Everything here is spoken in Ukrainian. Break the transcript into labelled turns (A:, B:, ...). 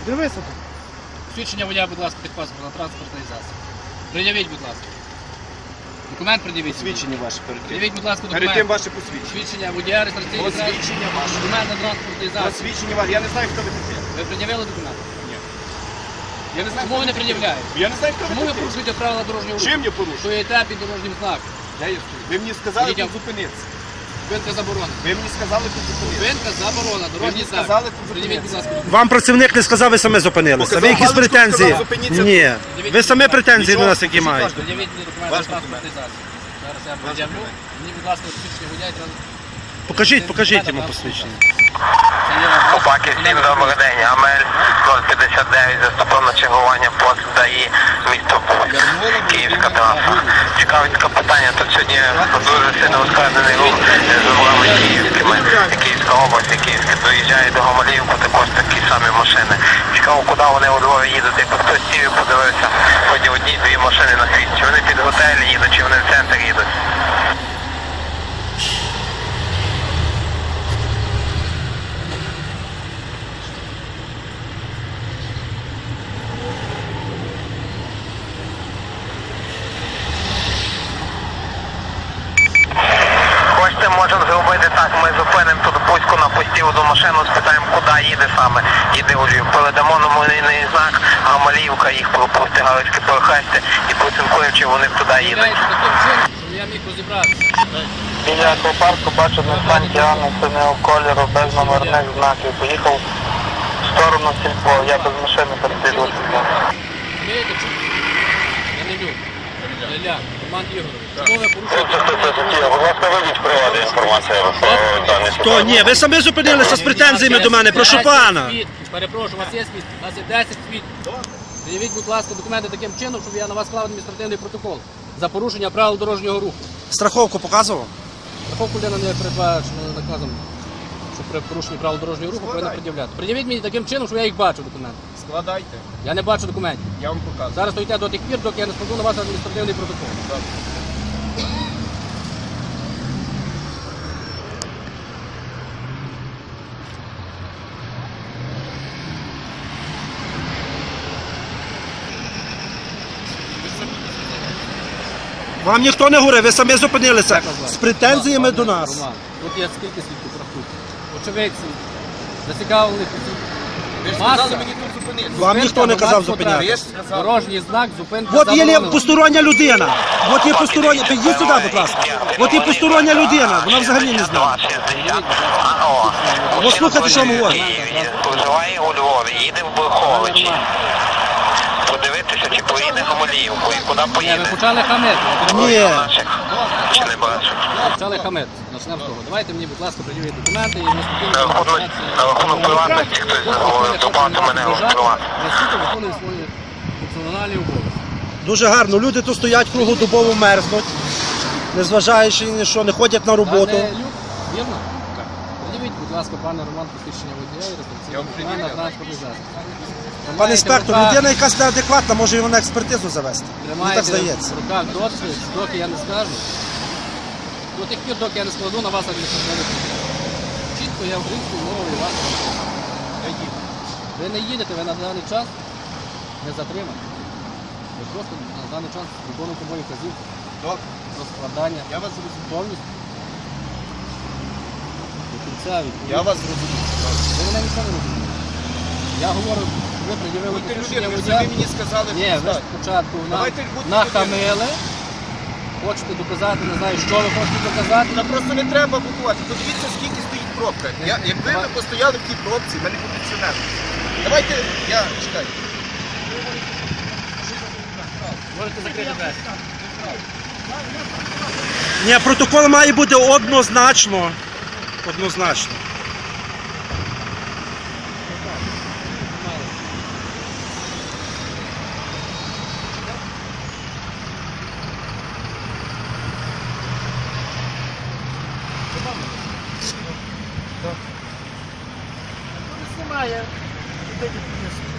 A: Дивися тут.
B: Свідчення водія, будь ласка, під паспорт на транспортний засіб. Пред'явіть, будь ласка. Документ пред'явіть.
C: Посвідчення ваше перед тим.
B: Пред'явіть, будь ласка,
C: Перед тим
B: документ.
C: ваше посвідчення.
B: Свідчення водія, реєстраційний
C: Посвідчення ваше.
B: документ на транспортний засіб.
C: Посвідчення ваше. Я не знаю, хто ви такі.
B: Ви пред'явили документ?
C: Ні. Я не знаю,
B: Чому ви не пред'являєте?
C: Я не знаю, хто
B: Чому
C: ви
B: ви
C: такі.
B: порушуєте правила дорожнього руху?
C: Чим я порушую?
B: Стоїте під дорожнім знаком.
C: Ви мені сказали
B: Ідіть.
C: тут зупинитися.
B: Зупинка заборонена.
C: Ви мені сказали тут зупинитися.
B: Зупинка заборонена. Дорожній
C: мені
B: знак.
C: сказали тут
B: Пред'явіть, будь ласка, документ.
A: Вам працівник не сказав, ви самі зупинилися.
C: Показав
A: Ви якісь
C: паличку,
A: претензії?
C: сказав, зупиніться.
A: Ні. Ви самі претензії до
C: Нічого,
A: нас які
C: покажіть
A: маєте.
C: ваш
B: Пред'явіть мені документ
C: Ваш
B: на транспортний засіб. Зараз я пред'явлю. Мені, будь ласка, свідчення водія.
A: Покажіть йому посвідчення.
D: Копаки, всім добрий день. Амель 059 заступив на чергування пост ДАІ місто Буг. Київська траса. Цікавить таке питання. Тут сьогодні дуже сильно ускладнений рух з дорогами київськими. Київська область, Київська доїжджає до Гомеліївки, також такі самі машини. Цікаво, куди вони у Львові їдуть. Якби хтось сів і подивився, хоч одні-дві машини на світ. Чи вони під готель їдуть, чи вони в центр їдуть. Хочете, можемо зробити так, ми зупинимо тут Бузьку на пості одну машину, спитаємо, куди їде саме, їде у Львів. Передамо номерний знак, Гамаліївка, їх пропустить, Галицьке перехрестя і поцінкуємо, чи вони туди їдуть.
B: Пред'являйте таким чином, щоб я міг розібратися.
D: Біля аквапарку бачу на станції Анни синього кольору, без номерних знаків. Поїхав в сторону сільпо, я без машини переслідував сільпо.
B: Розумієте, чому? Я не люблю. Ілля, Роман Ігорович. Чому ви порушуєте?
D: Будь ласка, вивіть приводу інформацію про дані.
A: То ні, ви самі зупинилися з претензіями до мене, прошу пана.
B: Перепрошую, у вас є свідки? У нас є 10 свідків. Заявіть, будь ласка, документи таким чином, щоб я на вас склав адміністративний протокол за порушення правил дорожнього руху.
A: Страховку показував?
B: Страховку людина не передбачено наказом, що при порушенні правил дорожнього руху повинна пред'являти. Пред'явіть мені таким чином, щоб я їх бачу, документи.
C: Складайте.
B: Я не бачу документів.
C: Я вам показую.
B: Зараз стоїте до тих пір, доки я не складу на вас адміністративний протокол.
A: Вам ніхто не говорив, ви самі зупинилися
B: Як вас звати?
A: з претензіями до нас.
B: Роман, тут є скільки свідків рахуйте. Очевидці, зацікавлених осіб.
C: Ви ж
B: Маса.
C: сказали мені тут зупинитися.
A: Вам ніхто не казав
B: громадського
A: зупинятися.
B: транспорту.
C: сказали.
B: Дорожній знак, зупинка
A: От є
B: заборонена.
A: постороння людина. От є постороння. Підійдіть сюди, будь ласка. От є постороння людина. Вона взагалі не знає. От слухайте, що говорить.
D: Проживає у Львові, їде в Бурховичі. Подивитися, чи поїде Гамаліївку і куди
B: Ні, ви
D: поїде.
B: почали хамити.
A: Ні.
D: Чи не бачу?
B: Почали хамити. Почнемо з того. Давайте мені, будь ласка, пред'явіть документи і ми
D: На рахунок приватності хтось говорив, добавте мене у приватність.
B: Наскільки виконує свої функціональні обов'язки.
A: Дуже гарно. Люди тут стоять круглодобово мерзнуть, незважаючи ні на що, не ходять на роботу.
B: Пане Люк, вірно? Так. Пред'явіть, будь ласка, пане Роман, посвідчення водія і реєстраційний документ на транспортний засіб.
A: Пане інспектор, людина якась неадекватна, може його на експертизу завести. Мені так
B: Тримайте
A: здається.
B: в руках досвід, доки я не скажу. До тих пір, доки я не складу на вас адміністративний протокол. Чітко я українською мовою вас. Ви не їдете, ви на даний час не затримані. Ви просто на даний час виконуєте мої вказівки
C: Добре.
B: про складання
C: Я вас зрозумів.
B: повністю. До кінця відповідно.
C: Я вас зрозумів.
B: Ви мене нічого не розумієте. Я говорю, ви пред'явили
C: Будьте
B: посвідчення
C: людиною, ви
B: водія.
C: самі мені сказали,
B: Ні, ви
C: почитати.
B: спочатку
C: Давайте будьте
B: нахамили. Хочете доказати, не знаю, що ви хочете доказати.
C: Та просто не треба будувати. Подивіться, скільки стоїть пробка. Якби ви постояли в тій пробці, в мене кондиціонер. Давайте, я чекаю.
B: Можете закрити двері.
A: Ні, протокол має бути однозначно. Однозначно.
B: Знімає.